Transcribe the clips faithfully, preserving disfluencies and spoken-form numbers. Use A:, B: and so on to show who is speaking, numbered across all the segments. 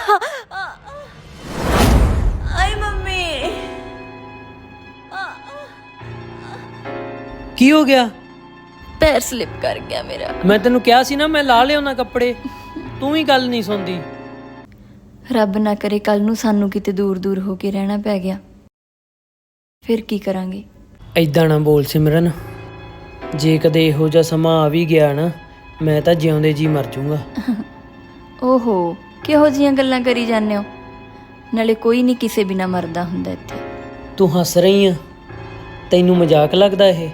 A: ਆਈ mummy.
B: ਕੀ ਹੋ ਗਿਆ?
A: ਪੈਰ ਸਲਿਪ ਕਰ ਗਿਆ ਮੇਰਾ।
B: ਮੈਂ ਤੈਨੂੰ ਕਿਹਾ ਸੀ ਨਾ ਮੈਂ ਲਾ ਲਿਆਉਣਾ ਕੱਪੜੇ, ਤੂੰ ਵੀ ਗੱਲ ਨਹੀਂ ਸੁਣਦੀ।
A: ਰੱਬ ਨਾ ਕਰੇ ਕੱਲ ਨੂੰ ਸਾਨੂੰ ਕਿਤੇ ਦੂਰ ਦੂਰ ਹੋ ਕੇ ਰਹਿਣਾ ਪੈ ਗਿਆ, ਫਿਰ ਕੀ ਕਰਾਂਗੇ?
B: ਐਦਾਂ ਨਾ ਬੋਲ ਸਿਮਰਨ, ਜੇ ਕਦੇ ਇਹੋ ਜਿਹਾ ਸਮਾਂ ਆ ਵੀ ਗਿਆ ਨਾ, ਮੈਂ ਤਾਂ ਜਿਉਂਦੇ ਜੀ ਮਰ ਜਾਊਂਗਾ।
A: ਓਹੋ, ਕਿਹੋ ਜਿਹੀਆਂ ਗੱਲਾਂ ਕਰੀ ਜਾਂਦੇ ਹੋ? ਨਾਲੇ ਕੋਈ ਨਹੀਂ ਕਿਸੇ ਬਿਨਾ ਮਰਦਾ ਹੁੰਦਾ ਇੱਥੇ।
B: ਤੂੰ ਹੱਸ ਰਹੀ ਆ? ਤੈਨੂੰ ਮਜ਼ਾਕ ਲੱਗਦਾ ਇਹ?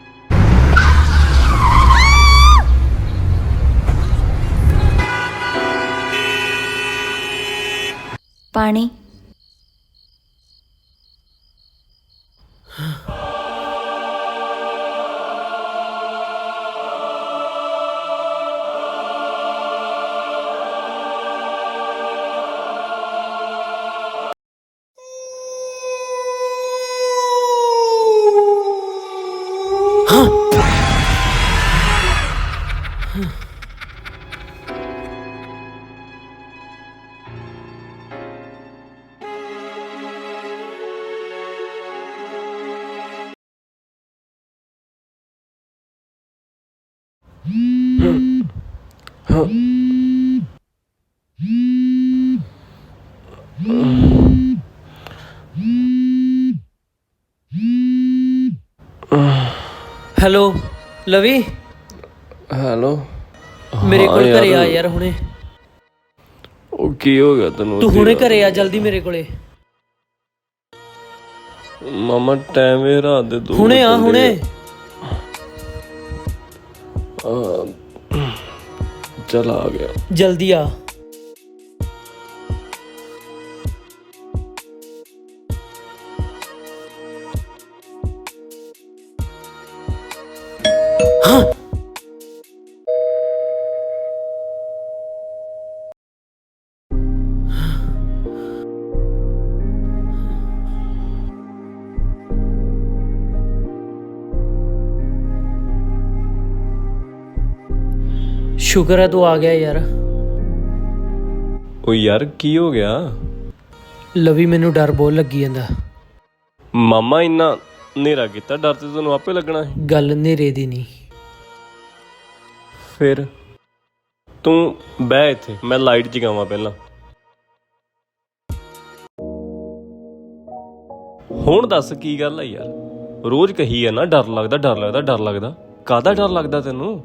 A: ਪਾਣੀ।
B: Hello Lavi,
C: hello.
B: ਮੇਰੇ ਕੋਲ ਘਰੇ ਆ ਯਾਰ ਹੁਣੇ।
C: ਉਹ ਕੀ ਹੋ ਗਿਆ ਤੈਨੂੰ?
B: ਤੂੰ ਹੁਣੇ ਘਰੇ ਆ ਜਲਦੀ ਮੇਰੇ ਕੋਲੇ।
C: ਮਾਮਾ ਟਾਈਮ ਇਹ ਰਾਤ ਦੇ ਦੋ।
B: ਹੁਣੇ ਆ ਹੁਣੇ।
C: ਚੱਲ ਆ ਗਿਆ,
B: ਜਲਦੀ ਆ। ਸ਼ੁਕਰ ਹੈ ਤੂੰ ਆ ਗਿਆ ਯਾਰ।
C: ਉਹ ਯਾਰ ਕੀ ਹੋ ਗਿਆ?
B: ਲਵੀ ਮੈਨੂੰ ਡਰ ਬਹੁਤ ਲੱਗੀ ਜਾਂਦਾ।
C: ਮਾਮਾ ਇੰਨਾ ਹਨੇਰਾ ਕੀਤਾ, ਡਰ ਤੇ ਤੈਨੂੰ ਆਪੇ ਲੱਗਣਾ ਸੀ।
B: ਗੱਲ ਹਨੇਰੇ ਦੀ ਨਹੀਂ।
C: ਫਿਰ ਤੂੰ ਬਹਿ ਇੱਥੇ, ਮੈਂ ਲਾਈਟ ਜਗਾਵਾਂ ਪਹਿਲਾਂ। ਹੁਣ ਦੱਸ ਕੀ ਗੱਲ ਆ ਯਾਰ? ਰੋਜ਼ ਕਹੀ ਆ ਨਾ ਡਰ ਲੱਗਦਾ ਡਰ ਲੱਗਦਾ ਡਰ ਲੱਗਦਾ। ਕਾਹਦਾ ਡਰ ਲੱਗਦਾ ਤੈਨੂੰ?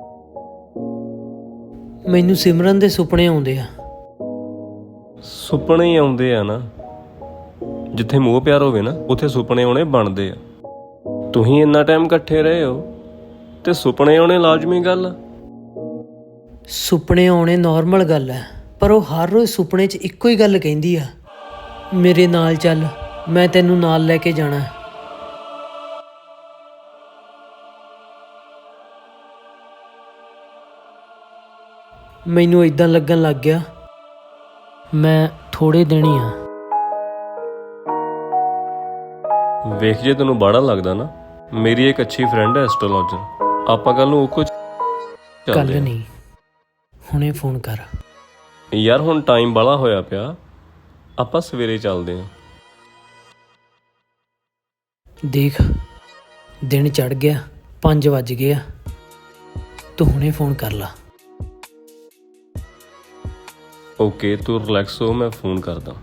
B: ਮੈਨੂੰ ਸਿਮਰਨ ਦੇ ਸੁਪਨੇ ਆਉਂਦੇ ਆ।
C: ਸੁਪਨੇ ਹੀ ਆਉਂਦੇ ਆ ਨਾ, ਜਿੱਥੇ ਮੋਹ ਪਿਆਰ ਹੋਵੇ ਨਾ ਉੱਥੇ ਸੁਪਨੇ ਆਉਣੇ ਬਣਦੇ ਆ। ਤੁਸੀਂ ਇੰਨਾ ਟਾਈਮ ਇਕੱਠੇ ਰਹੇ ਹੋ ਤੇ ਸੁਪਨੇ ਆਉਣੇ ਲਾਜ਼ਮੀ ਗੱਲ ਆ।
B: ਸੁਪਨੇ ਆਉਣੇ ਨਾਰਮਲ ਗੱਲ ਹੈ, ਪਰ ਉਹ ਹਰ ਰੋਜ਼ ਸੁਪਨੇ 'ਚ ਇੱਕੋ ਹੀ ਗੱਲ ਕਹਿੰਦੀ ਆ, ਮੇਰੇ ਨਾਲ ਚੱਲ, ਮੈਂ ਤੈਨੂੰ ਨਾਲ ਲੈ ਕੇ ਜਾਣਾ। ਮੈਨੂੰ ਇਦਾਂ ਲੱਗਣ ਲੱਗ ਗਿਆ ਮੈਂ ਥੋੜੇ ਦਿਨ ਹੀ ਆ।
C: ਵੇਖ ਜੇ ਤੈਨੂੰ ਬਾੜਾ ਲੱਗਦਾ ਨਾ, ਮੇਰੀ ਇੱਕ ਅੱਛੀ ਫਰੈਂਡ ਹੈ ਐਸਟ੍ਰੋਲੋਜਰ, ਆਪਾਂ ਕੱਲ ਨੂੰ ਉਹ ਕੁਝ
B: ਕੱਲ ਨਹੀਂ, ਹੁਣੇ ਫੋਨ ਕਰ
C: ਯਾਰ। ਹੁਣ ਟਾਈਮ ਬਾਲਾ ਹੋਇਆ ਪਿਆ, ਆਪਾਂ ਸਵੇਰੇ ਚੱਲਦੇ ਹਾਂ।
B: ਦੇਖ ਦਿਨ ਚੜ ਗਿਆ, ਪੰਜ ਵੱਜ ਗਏ ਆ, ਤੂੰ ਹੁਣੇ ਫੋਨ ਕਰ ਲਾ।
C: ਓਕੇ ਤੂੰ ਰਿਲੈਕਸ ਹੋ, ਮੈਂ ਫੋਨ ਕਰਦਾ।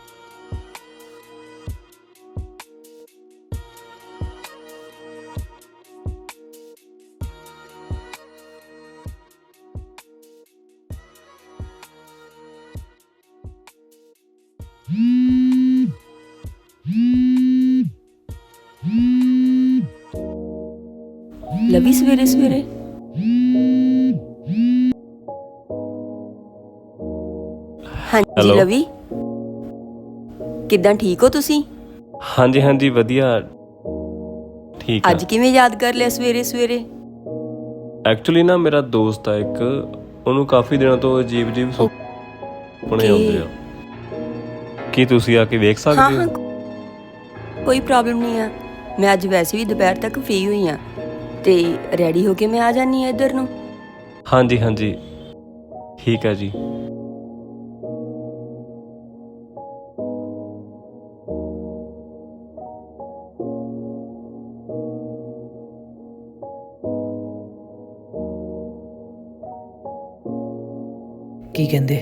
A: ਲਵੀ ਸਵੇਰੇ ਸਵੇਰੇ ਹਾਂਜੀ ਲਵੀ, ਕਿੱਦਾਂ? ਠੀਕ ਹੋ ਤੁਸੀਂ?
C: ਹਾਂਜੀ ਹਾਂਜੀ ਵਧੀਆ ਠੀਕ ਆ।
A: ਅੱਜ ਕਿਵੇਂ ਯਾਦ ਕਰ ਲਿਆ ਸਵੇਰੇ ਸਵੇਰੇ?
C: ਐਕਚੁਅਲੀ ਨਾ ਮੇਰਾ ਦੋਸਤ ਆ ਇੱਕ, ਉਹਨੂੰ ਕਾਫੀ ਦਿਨਾਂ ਤੋਂ ਅਜੀਬ ਅਜੀਬ ਸੁਪਨੇ ਆਉਂਦੇ ਆ। ਕੀ ਤੁਸੀਂ ਆ ਕੇ ਵੇਖ ਸਕਦੇ ਹੋ?
A: ਕੋਈ ਪ੍ਰੋਬਲਮ ਨਹੀਂ ਆ, ਮੈਂ ਅੱਜ ਵੈਸੇ ਵੀ ਦੁਪਹਿਰ ਤੱਕ ਫ੍ਰੀ ਹੋਈ ਆ ਤੇ ਰੈਡੀ ਹੋ ਕੇ ਮੈਂ ਆ ਜਾਨੀ ਆ ਇੱਧਰ ਨੂੰ।
C: ਹਾਂਜੀ ਹਾਂਜੀ ਠੀਕ ਹੈ ਜੀ।
B: ਕੀ ਕਹਿੰਦੇ।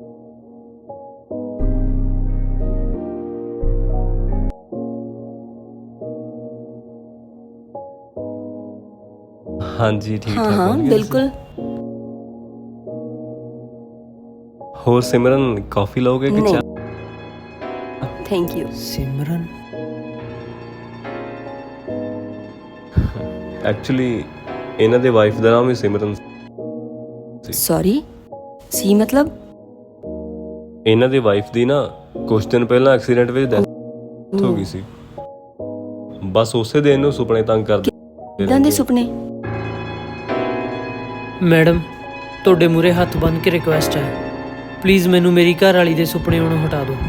C: ਹਾਂਜੀ ਠੀਕ
A: ਹਾਂ
C: ਠਾਕ
A: ਹਾਂ
C: ਪਹੁੰਚ ਗਏ
A: ਬਿਲਕੁਲ।
C: ਤੁਸੀਂ? ਹੋਰ ਸਿਮਰਨ ਕਾਫੀ ਲਓਗੇ ਕਿ
A: ਨਹੀਂ
C: ਚਾਹ?
A: Thank you.
B: ਸਿਮਰਨ?
C: ਐਕਚੁਅਲੀ ਇਹਨਾਂ ਦੇ ਵਾਈਫ ਦਾ ਨਾਮ ਹੀ ਸਿਮਰਨ ਸੀ।
A: ਸੌਰੀ ਸੀ ਮਤਲਬ?
C: ਇਹਨਾਂ ਦੀ ਵਾਈਫ ਦੀ ਨਾ ਕੁਝ ਦਿਨ ਪਹਿਲਾਂ ਐਕਸੀਡੈਂਟ ਵਿੱਚ ਡੈਥ ਹੋ ਗਈ ਸੀ। ਬਸ ਉਸੇ ਦਿਨ ਨੂੰ ਸੁਪਨੇ ਤੰਗ ਕਰਦੇ
A: ਕਿੱਦਾਂ ਦੇ ਸੁਪਨੇ?
B: ਮੈਡਮ ਤੁਹਾਡੇ ਮੂਹਰੇ ਹੱਥ ਬੰਨ੍ਹ ਕੇ ਰਿਕੁਐਸਟ ਹੈ, ਪਲੀਜ਼ ਮੈਨੂੰ ਮੇਰੀ ਘਰ ਵਾਲੀ ਦੇ ਸੁਪਨੇ ਆਉਣੋਂ ਹਟਾ ਦਿਓ।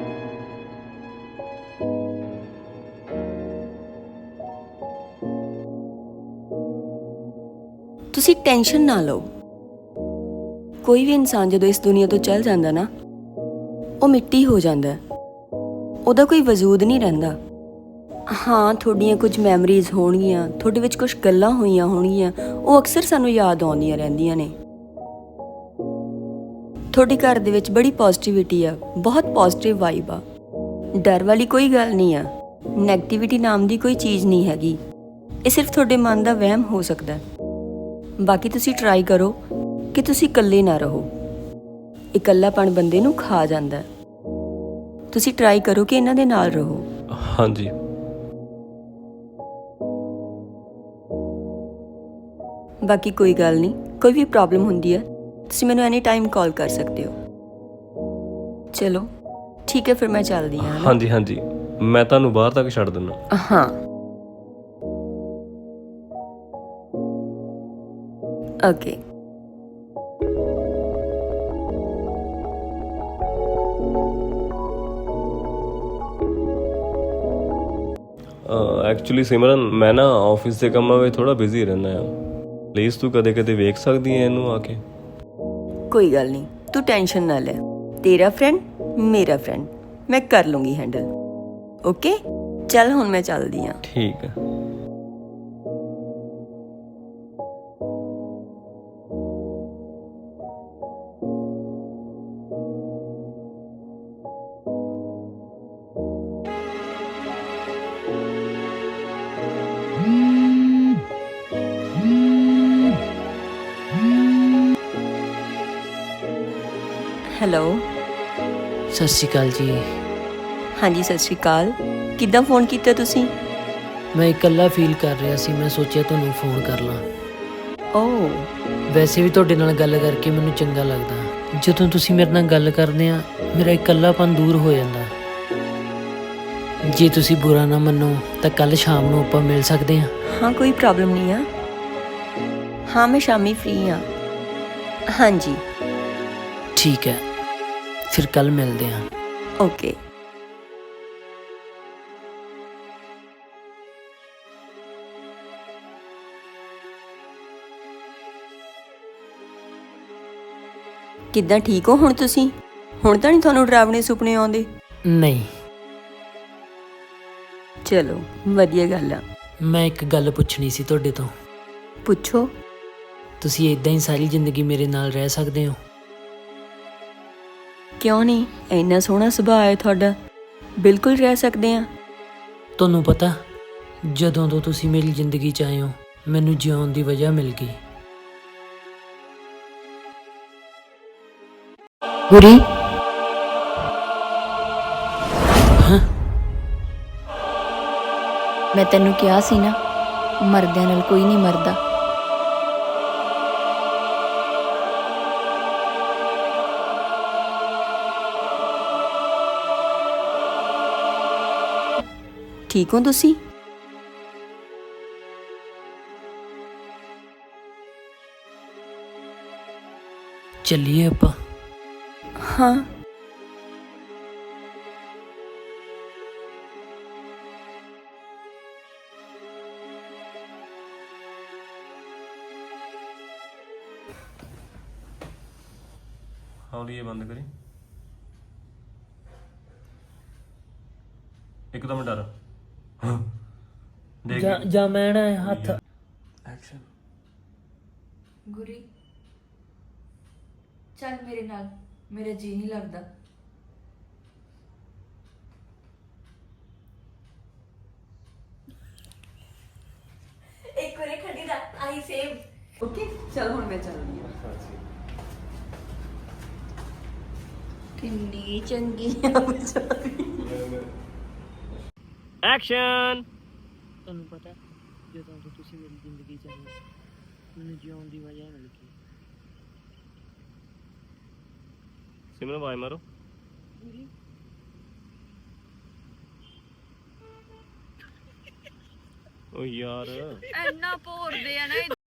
A: ਤੁਸੀਂ ਟੈਨਸ਼ਨ ਨਾ ਲਓ। ਕੋਈ ਵੀ ਇਨਸਾਨ ਜਦੋਂ ਇਸ ਦੁਨੀਆ ਤੋਂ ਚਲ ਜਾਂਦਾ ਨਾ, ਉਹ ਮਿੱਟੀ ਹੋ ਜਾਂਦਾ, ਉਹਦਾ ਕੋਈ ਵਜੂਦ ਨਹੀਂ ਰਹਿੰਦਾ। ਹਾਂ ਤੁਹਾਡੀਆਂ ਕੁਝ ਮੈਮਰੀਜ਼ ਹੋਣਗੀਆਂ, ਤੁਹਾਡੇ ਵਿੱਚ ਕੁਝ ਗੱਲਾਂ ਹੋਈਆਂ ਹੋਣਗੀਆਂ, ਉਹ ਅਕਸਰ ਸਾਨੂੰ ਯਾਦ ਆਉਂਦੀਆਂ ਰਹਿੰਦੀਆਂ ਨੇ। ਤੁਹਾਡੇ ਘਰ ਦੇ ਵਿੱਚ ਬੜੀ ਪੋਜ਼ਿਟਿਵਿਟੀ ਆ, ਬਹੁਤ ਪੋਜ਼ਿਟਿਵ ਵਾਈਬ ਆ। ਡਰ ਵਾਲੀ ਕੋਈ ਗੱਲ ਨਹੀਂ ਆ, ਨੈਗੇਟਿਵਿਟੀ ਨਾਮ ਦੀ ਕੋਈ ਚੀਜ਼ ਨਹੀਂ ਹੈਗੀ। ਇਹ ਸਿਰਫ ਤੁਹਾਡੇ ਮਨ ਦਾ ਵਹਿਮ ਹੋ ਸਕਦਾ। ਬਾਕੀ ਤੁਸੀਂ ਟਰਾਈ ਕਰੋ ਕਿ ਤੁਸੀਂ ਇਕੱਲੇ ਨਾ ਰਹੋ। ਇਕੱਲਾਪਣ ਬੰਦੇ ਨੂੰ ਖਾ ਜਾਂਦਾ। ਤੁਸੀਂ ਟਰਾਈ ਕਰੋ ਕਿ ਇਹਨਾਂ ਦੇ ਨਾਲ ਰਹੋ।
C: ਹਾਂਜੀ
A: ਬਾਕੀ ਕੋਈ ਗੱਲ ਨਹੀਂ, ਕੋਈ ਵੀ ਪ੍ਰੋਬਲਮ ਹੁੰਦੀ ਹੈ ਤੁਸੀਂ ਮੈਨੂੰ ਐਨੀ ਟਾਈਮ ਕਾਲ ਕਰ ਸਕਦੇ ਹੋ। ਚਲੋ ਠੀਕ ਹੈ ਫਿਰ ਮੈਂ ਚੱਲਦੀ ਹਾਂ।
C: ਹਾਂਜੀ ਹਾਂਜੀ ਮੈਂ ਤੁਹਾਨੂੰ ਬਾਹਰ ਤੱਕ ਛੱਡ ਦਿੰਦਾ।
A: ਹਾਂ ਓਕੇ।
C: ਐਕਚੁਅਲੀ ਸਿਮਰਨ ਮੈਂ ਨਾ ਆਫਿਸ ਦੇ ਕੰਮਾਂ ਵਿੱਚ ਥੋੜਾ ਬਿਜ਼ੀ ਰਹਿੰਦਾ ਆ। ਪਲੀਜ਼ ਤੂੰ ਕਦੇ ਕਦੇ ਵੇਖ ਸਕਦੀ ਹੈ ਇਹਨੂੰ ਆ ਕੇ?
A: ਕੋਈ ਗੱਲ ਨਹੀਂ, ਤੂੰ ਟੈਨਸ਼ਨ ਨਾ ਲੈ। ਤੇਰਾ ਫਰੈਂਡ ਮੇਰਾ ਫਰੈਂਡ, ਮੈਂ ਕਰ ਲੂੰਗੀ ਹੈਂਡਲ। ਓਕੇ ਚੱਲ ਹੁਣ ਮੈਂ ਚੱਲਦੀ ਹਾਂ।
C: ਠੀਕ ਹੈ।
A: ਹੈਲੋ।
B: ਸਤਿ ਸ਼੍ਰੀ ਅਕਾਲ ਜੀ।
A: ਹਾਂਜੀ ਸਤਿ ਸ਼੍ਰੀ ਅਕਾਲ। ਕਿੱਦਾਂ ਫੋਨ ਕੀਤਾ ਤੁਸੀਂ?
B: ਮੈਂ ਇਕੱਲਾ ਫੀਲ ਕਰ ਰਿਹਾ ਸੀ, ਮੈਂ ਸੋਚਿਆ ਤੁਹਾਨੂੰ ਫੋਨ ਕਰ ਲਾਂ।
A: ਓ
B: ਵੈਸੇ ਵੀ ਤੁਹਾਡੇ ਨਾਲ ਗੱਲ ਕਰਕੇ ਮੈਨੂੰ ਚੰਗਾ ਲੱਗਦਾ। ਜਦੋਂ ਤੁਸੀਂ ਮੇਰੇ ਨਾਲ ਗੱਲ ਕਰਦੇ ਆ ਮੇਰਾ ਇਕੱਲਾਪਨ ਦੂਰ ਹੋ ਜਾਂਦਾ। ਜੇ ਤੁਸੀਂ ਬੁਰਾ ਨਾ ਮੰਨੋ ਤਾਂ ਕੱਲ ਸ਼ਾਮ ਨੂੰ ਆਪਾਂ ਮਿਲ ਸਕਦੇ ਹਾਂ।
A: ਹਾਂ ਕੋਈ ਪ੍ਰੋਬਲਮ ਨਹੀਂ ਆ। ਹਾਂ ਮੈਂ ਸ਼ਾਮੀ ਫ੍ਰੀ ਹਾਂ। ਹਾਂਜੀ
B: ਠੀਕ ਹੈ ਫਿਰ ਕੱਲ ਮਿਲਦੇ ਹਾਂ।
A: ਓਕੇ। ਕਿੱਦਾਂ ਠੀਕ ਹੋ ਹੁਣ ਤੁਸੀਂ? ਹੁਣ ਤਾਂ ਨਹੀਂ ਤੁਹਾਨੂੰ ਡਰਾਵਣੇ ਸੁਪਨੇ ਆਉਂਦੇ?
B: ਨਹੀਂ।
A: ਚਲੋ ਵਧੀਆ ਗੱਲ ਆ।
B: ਮੈਂ ਇੱਕ ਗੱਲ ਪੁੱਛਣੀ ਸੀ ਤੁਹਾਡੇ ਤੋਂ।
A: ਪੁੱਛੋ।
B: ਤੁਸੀਂ ਇਦਾਂ ਹੀ ਸਾਰੀ ਜ਼ਿੰਦਗੀ ਮੇਰੇ ਨਾਲ ਰਹਿ ਸਕਦੇ ਹੋ?
A: ਕਿਉਂ ਨਹੀਂ, ਇੰਨਾ ਸੋਹਣਾ ਸੁਭਾਅ ਹੈ ਤੁਹਾਡਾ, ਬਿਲਕੁਲ ਰਹਿ ਸਕਦੇ ਆ।
B: ਤੁਹਾਨੂੰ ਪਤਾ ਜਦੋਂ ਤੋਂ ਤੁਸੀਂ ਮੇਰੀ ਜ਼ਿੰਦਗੀ 'ਚ ਆਏ ਹੋ ਮੈਨੂੰ ਜਿਉਣ ਦੀ ਵਜ੍ਹਾ ਮਿਲ ਗਈ।
D: ਗੁਰੀ ਮੈਂ ਤੈਨੂੰ ਕਿਹਾ ਸੀ ਨਾ, ਮਰਦਿਆਂ ਨਾਲ ਕੋਈ ਨਹੀਂ ਮਰਦਾ।
A: ਠੀਕ ਹੋ ਤੁਸੀਂ?
B: ਚੱਲੀਏ ਆਪਾਂ?
A: ਹਾਂ
C: ਹੌਲੀ ਇਹ ਬੰਦ ਕਰੀ। ਇੱਕਦਮ ਡਰ ਦੇਖ
B: ਜਾਂ ਜਾਂ ਮੈਂ ਨਾ ਹੱਥ
C: ਐਕਸ਼ਨ।
D: ਗੁਰੀ ਚੱਲ ਮੇਰੇ ਨਾਲ, ਮੇਰਾ ਜੀ ਨਹੀਂ ਲੱਗਦਾ। ਇੱਕ ਵਾਰ ਖੜੀ ਦਾ ਆਈ ਸੇਮ।
A: ਓਕੇ ਚਲ ਹੁਣ ਮੈਂ ਚੱਲਦੀ ਹਾਂ। ਕਿੰਨੀ ਚੰਗੀ ਆ ਵਿਚਾਰੀ।
C: ਐਕਸ਼ਨ।
B: ਤੁਹਾਨੂੰ ਪਤਾ ਜਦੋਂ ਤੋਂ ਤੁਸੀਂ ਮੇਰੀ ਜ਼ਿੰਦਗੀ ਚ ਆਏ ਮੈਨੂੰ ਜਿਉਣ ਦੀ ਵਜ੍ਹਾ ਮਿਲ ਗਈ।
C: ਸਿਮਰਨ ਵਾਈ ਮਾਰੋ। ਓ ਯਾਰ
D: ਇੰਨਾ ਭੋਰਦੇ ਆ ਨਾ